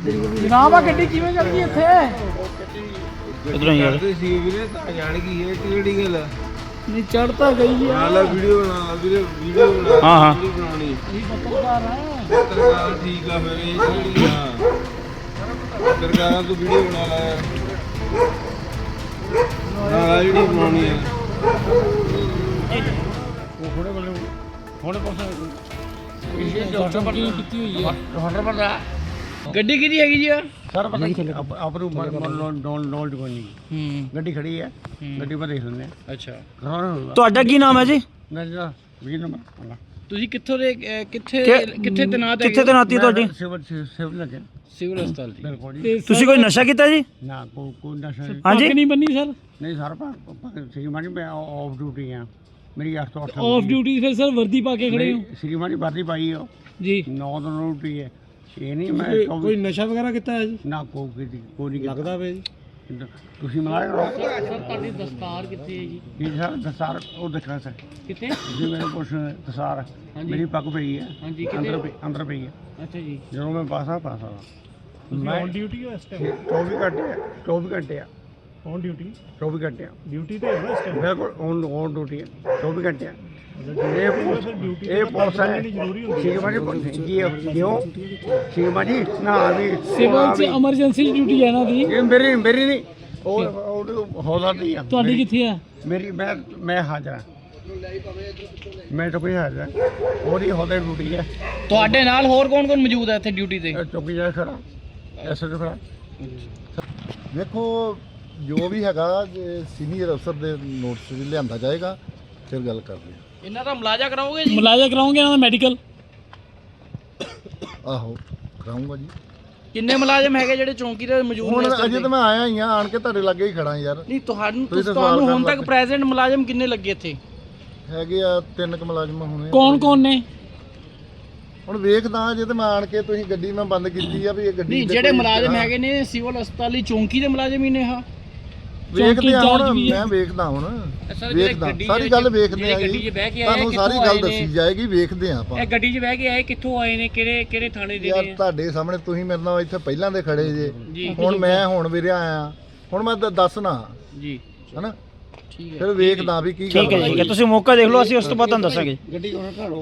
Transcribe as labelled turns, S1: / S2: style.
S1: ਜਨਾਬ ਆ ਗੱਡੀ ਕਿਵੇਂ ਚੱਲਦੀ ਇੱਥੇ?
S2: ਇਧਰੋਂ ਯਾਰ
S3: ਸੀ ਵੀਰੇ ਤਾਂ ਜਾਣ ਗਈ ਇਹ ਕਿਹੜੀ ਗੱਲ ਆ?
S1: ਨਹੀਂ ਚੜ ਤਾਂ ਗਈ ਆ।
S3: ਨਾਲ ਵੀਡੀਓ ਬਣਾ ਵੀਰੇ ਵੀਡੀਓ ਬਣਾ
S2: ਹਾਂ, ਹਾਂ।
S3: ਵੀਡੀਓ ਬਣਾਉਣੀ
S1: ਇਹ ਪੱਤਰਕਾਰ ਹੈ।
S3: ਪੱਤਰਕਾਰ ਠੀਕ ਆ ਫਿਰ ਇਹ ਕਿਹੜੀ ਆ ਪੱਤਰਕਾਰਾਂ ਤੋਂ ਵੀਡੀਓ ਬਣਾ ਲਾ ਯਾਰ ਨਾਲ ਵੀਡੀਓ ਬਣਾਉਣੀ ਆ
S1: ਉਹ ਥੋੜੇ ਬਲੇ ਥੋੜੇ ਪਾਸੇ ਇਹ ਡਾਕਟਰ ਪਰ ਕੀਤੀ ਹੋਈ ਹੈ। ਡਾਕਟਰ ਪਰ ਗੱਡੀ ਕਿਹਦੀ ਹੈਗੀ ਜੀ?
S4: ਸਰ ਪਤਾ ਨਹੀਂ ਆਪਰੂ ਨੋਲਡ ਕੋਈ ਨਹੀਂ ਗੱਡੀ ਖੜੀ ਹੈ ਗੱਡੀ ਪਰ ਦੇਖ ਲੈਂਦੇ ਆ
S1: ਅੱਛਾ
S2: ਤੁਹਾਡਾ ਕੀ ਨਾਮ ਹੈ ਜੀ?
S4: ਮੇਰਾ 20 ਨੰਬਰ
S1: ਤੁਸੀਂ ਕਿੱਥੋਂ ਦੇ ਕਿੱਥੇ ਤੈਨਾਤ
S2: ਕਿੱਥੇ ਤੈਨਾਤੀ ਤੁਹਾਡੀ?
S4: ਸਿਵਲ ਲੱਗੇ
S1: ਸਿਵਲ ਹਸਪਤਾਲ ਜੀ।
S4: ਬਿਲਕੁਲ ਜੀ
S2: ਤੁਸੀਂ ਕੋਈ ਨਸ਼ਾ ਕੀਤਾ ਜੀ?
S4: ਨਾ ਕੋਈ ਨਸ਼ਾ ਨਹੀਂ।
S2: ਹਾਂਜੀ
S1: ਨਹੀਂ ਬੰਨੀ ਸਰ?
S4: ਨਹੀਂ ਸਰ ਸ਼੍ਰੀਮਾਨੀ ਮੈਂ ਆਫ ਡਿਊਟੀ ਆ ਮੇਰੀ 8 ਤੋਂ 8
S1: ਆਫ ਡਿਊਟੀ ਫਿਰ ਸਰ ਵਰਦੀ ਪਾ ਕੇ ਖੜੇ ਹੋ
S4: ਸ਼੍ਰੀਮਾਨੀ ਵਰਦੀ ਪਾਈ ਹੋ
S1: ਜੀ?
S4: 9 ਤੋਂ ਡਿਊਟੀ ਹੈ ਇਹ ਨਹੀਂ ਮੈਂ
S1: ਕੋਈ ਨਸ਼ਾ ਵਗੈਰਾ ਕੀਤਾ ਹੈ ਜੀ?
S4: ਨਾ ਕੋਈ ਨਹੀਂ
S1: ਲੱਗਦਾ ਵੇ ਜੀ।
S4: ਤੁਸੀਂ ਮਲਾਇਆ
S1: ਸਰ ਤੁਹਾਡੀ ਦਸਤਾਰ ਕਿੱਥੇ ਹੈ ਜੀ?
S4: ਜੀ ਸਰ ਦਸਾਰ ਉਹ ਦੇਖਣਾ ਸਰ
S1: ਕਿੱਥੇ?
S4: ਜੀ ਮੇਰੇ ਕੋਲ ਦਸਾਰ ਮੇਰੀ ਪੱਗ ਪਈ ਹੈ
S1: ਹਾਂਜੀ
S4: ਅੰਦਰ ਪਈ ਹੈ
S1: ਅੱਛਾ ਜੀ।
S4: ਜਦੋਂ ਮੈਂ ਪਾਸਾ
S1: ਮੈਂ ਔਨ ਡਿਊਟੀ ਹੋ ਇਸ ਟਾਈਮ?
S4: 24 ਘੰਟੇ ਆ
S1: ਔਨ ਡਿਊਟੀ?
S4: 24 ਘੰਟੇ ਆ
S1: ਡਿਊਟੀ ਤੇ ਹੈ ਇਸ ਟਾਈਮ?
S4: ਬਿਲਕੁਲ ਔਨ ਡਿਊਟੀ ਹੈ 24 ਘੰਟੇ ਆ ਇਹ ਪੁਲਿਸ ਹੈ ਸ਼ਿਕਮਾਜੀ ਕਿਉਂ ਸ਼ਿਕਮਾਜੀ ਨਾ ਵੀ
S1: ਸਿਵਲ ਚ ਐਮਰਜੈਂਸੀ ਡਿਊਟੀ ਹੈ ਨਾ ਦੀ?
S4: ਇਹ ਮੇਰੀ ਨਹੀਂ ਉਹ ਹੌਲਾ ਦੀ ਆ
S1: ਤੁਹਾਡੀ ਕਿੱਥੇ ਆ?
S4: ਮੇਰੀ ਮੈਂ ਹਾਜ਼ਰ ਹਾਂ ਮੈਂ ਤਾਂ ਕੋਈ ਹਾਜ਼ਰ ਹਾਂ ਉਹਦੀ ਹੌਲੇ ਡਿਊਟੀ ਹੈ
S1: ਤੁਹਾਡੇ ਨਾਲ ਹੋਰ ਕੌਣ ਮੌਜੂਦ ਹੈ ਇੱਥੇ ਡਿਊਟੀ ਤੇ?
S4: ਚੌਕੀ ਜਾ ਖੜਾ ਐਸਐਚ ਖੜਾ
S5: ਦੇਖੋ ਜੋ ਵੀ ਹੈਗਾ ਸੀਨੀਅਰ ਅਫਸਰ ਦੇ ਨੋਟਿਸ ਵਿੱਚ ਲਿਆਂਦਾ ਜਾਏਗਾ ਫਿਰ ਗੱਲ ਕਰਦੇ ਹਾਂ।
S1: ਇਹਨਾਂ ਦਾ ਮੁਲਾਜ਼ਾ ਕਰਾਓਗੇ ਜੀ? ਮੁਲਾਜ਼ਾ ਕਰਾਓਗੇ ਇਹਨਾਂ ਦਾ ਮੈਡੀਕਲ?
S5: ਆਹੋ ਕਰਾਉਂਗਾ ਜੀ।
S1: ਕਿੰਨੇ ਮੁਲਾਜ਼ਮ ਹੈਗੇ ਜਿਹੜੇ ਚੌਂਕੀ ਤੇ ਮੌਜੂਦ
S5: ਹੁਣ
S1: ਨੇ?
S5: ਅਜੇ ਤਾਂ ਮੈਂ ਆਇਆ ਹੀ ਆ ਆਣ ਕੇ ਤੁਹਾਡੇ ਲਾਗੇ ਹੀ ਖੜਾ ਯਾਰ।
S1: ਨਹੀਂ ਤੁਹਾਨੂੰ
S5: ਤੁਸੀਂ ਤਾਂ
S1: ਤੁਹਾਨੂੰ
S5: ਸਵਾਲ
S1: ਹੁਣ
S5: ਕਰਨ
S1: ਤੱਕ ਪ੍ਰੈਜ਼ੈਂਟ ਮੁਲਾਜ਼ਮ ਕਿੰਨੇ ਲੱਗੇ ਇੱਥੇ?
S5: ਹੈਗੇ ਆ 3 ਕੁ ਮੁਲਾਜ਼ਮ ਹੋਣੇ।
S1: ਕੌਣ ਨੇ?
S5: ਹੁਣ ਵੇਖਦਾ ਜੇ ਤੇ ਮੈਂ ਆਣ ਕੇ ਤੁਸੀਂ ਗੱਡੀ ਮੈਂ ਬੰਦ ਕੀਤੀ ਆ ਵੀ ਇਹ ਗੱਡੀ
S1: ਨਹੀਂ
S5: ਦੇ
S1: ਜਿਹੜੇ
S5: ਕੋਈ
S1: ਮੁਲਾਜ਼ਮ
S5: ਹਾਂ,
S1: ਹੈਗੇ ਨੇ ਸਿਵਲ ਹਸਪਤਾਲ ਦੀ ਚੌਂਕੀ ਦੇ ਮੁਲਾਜ਼ਮ ਹੀ ਨੇ ਹਾਂ?
S5: ਵੇਖਦੇ ਆ
S1: ਚੌਂਕੀ
S5: ਹੁਣ
S1: ਵੀ ਹੈ।
S5: ਮੈਂ ਵੇਖਦਾ ਹੁਣ
S1: ਸਰ, ਜਿਹੜੇ
S5: ਵੇਖਦਾ
S1: ਗੱਡੀ
S5: ਸਾਰੀ
S1: ਜਿਹੜੇ
S5: ਗੱਲ ਵੇਖਦੇ ਆ
S1: ਗੱਡੀ 'ਚ
S5: ਜੀ
S1: ਬਹਿ ਕੇ ਆਏ
S5: ਤੁਹਾਨੂੰ ਸਾਰੀ
S1: ਕਿੱਥੋਂ
S5: ਗੱਲ
S1: ਆਏ ਨੇ?
S5: ਦੱਸੀ ਜਾਏਗੀ ਵੇਖਦੇ ਆ ਆਪਾਂ।
S1: ਇਹ ਗੱਡੀ 'ਚ ਬਹਿ ਕੇ ਆਏ ਕਿੱਥੋਂ ਆਏ ਨੇ ਕਿਹੜੇ ਥਾਣੇ ਦੇ
S5: ਯਾਰ
S1: ਨੇ?
S5: ਤੁਹਾਡੇ ਸਾਹਮਣੇ ਤੁਸੀਂ ਮੇਰੇ ਨਾਲ ਇੱਥੇ ਪਹਿਲਾਂ ਦੇ ਖੜੇ
S1: ਜੀ।
S5: ਜੇ ਹੁਣ ਮੈਂ ਵੀਰੇ ਆਇਆ ਹੁਣ ਮੈਂ ਦੱਸਣਾ
S1: ਜੀ
S5: ਹਨਾ
S1: ਠੀਕ ਹੈ।
S5: ਫਿਰ ਵੇਖਦਾ ਵੀ ਕੀ
S2: ਠੀਕ ਹੈ ਜੀ, ਤੁਸੀਂ ਮੌਕਾ ਦੇਖ ਲਓ, ਅਸੀਂ ਉਸ ਤੋਂ ਬਾਅਦ ਤੁਹਾਨੂੰ ਦੱਸਾਂਗੇ।
S4: ਗੱਡੀ ਉਹਨਾਂ ਘੜੋ